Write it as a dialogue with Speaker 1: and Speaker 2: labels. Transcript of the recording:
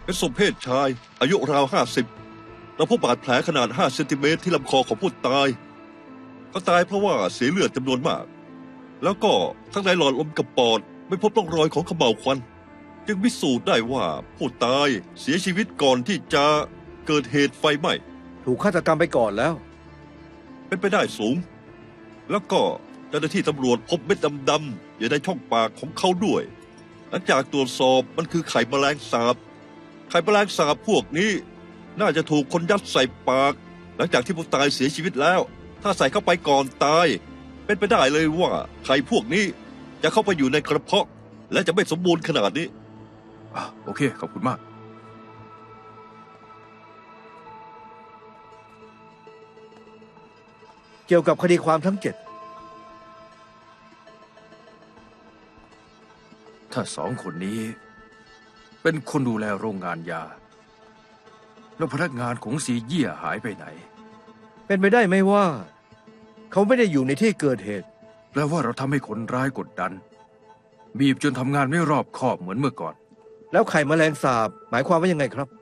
Speaker 1: เป็นศพเพศชาย อายุราว50เราพบบาดแผลขนาด5 เซนติเมตรที่ลำคอของผู้ตายเขาตายเพราะว่าเสียเลือดจำนวนมาก แล้วก็ทั้งในหลอดลมกับปอดไม่พบร่องรอยของเขม่าวควันจึงพิสูจน์ได้ว่าผู้ตายเสียชีวิตก่อนที่จะเกิดเหตุไฟไหม้
Speaker 2: ถูกฆาตกรรมไปก่อนแล้ว
Speaker 1: เป็นไปได้สูง แล้วก็เจ้าหน้าที่ตำรวจพบเม็ดดำๆอยู่ในช่องปากของเขาด้วย หลังจากตรวจสอบมันคือไข่แมลงสาบ ไข่แมลงสาบพวกนี้ น่าจะถูกคนยัดใส่ปาก หลังจากที่ผู้ตายเสียชีวิตแล้ว ถ้าใส่เข้าไปก่อนตาย เป็นไปได้เลยว่าไข่พวกนี้จะเข้าไปอยู่ในกระเพาะ และจะไม่สมบูรณ์ขนาดนี้
Speaker 3: โอเค ขอบคุณมาก
Speaker 2: เกี่ยวกับคดีความทั้ง 7
Speaker 3: ถ้า2 คนนี้ เป็นคนดูแลโรงงานยา แล้วพนักงานของซีเยี่ยหายไปไหน
Speaker 2: เป็นไปได้ไหมว่า เขาไม่ได้อยู่ในที่เกิดเหตุ
Speaker 3: แปลว่าเราทำให้คนร้ายกดดัน บีบจนทำงานไม่รอบคอบเหมือนเมื่อก่อน
Speaker 2: แล้วไข่แมลงสาบหมายความว่ายังไงครับ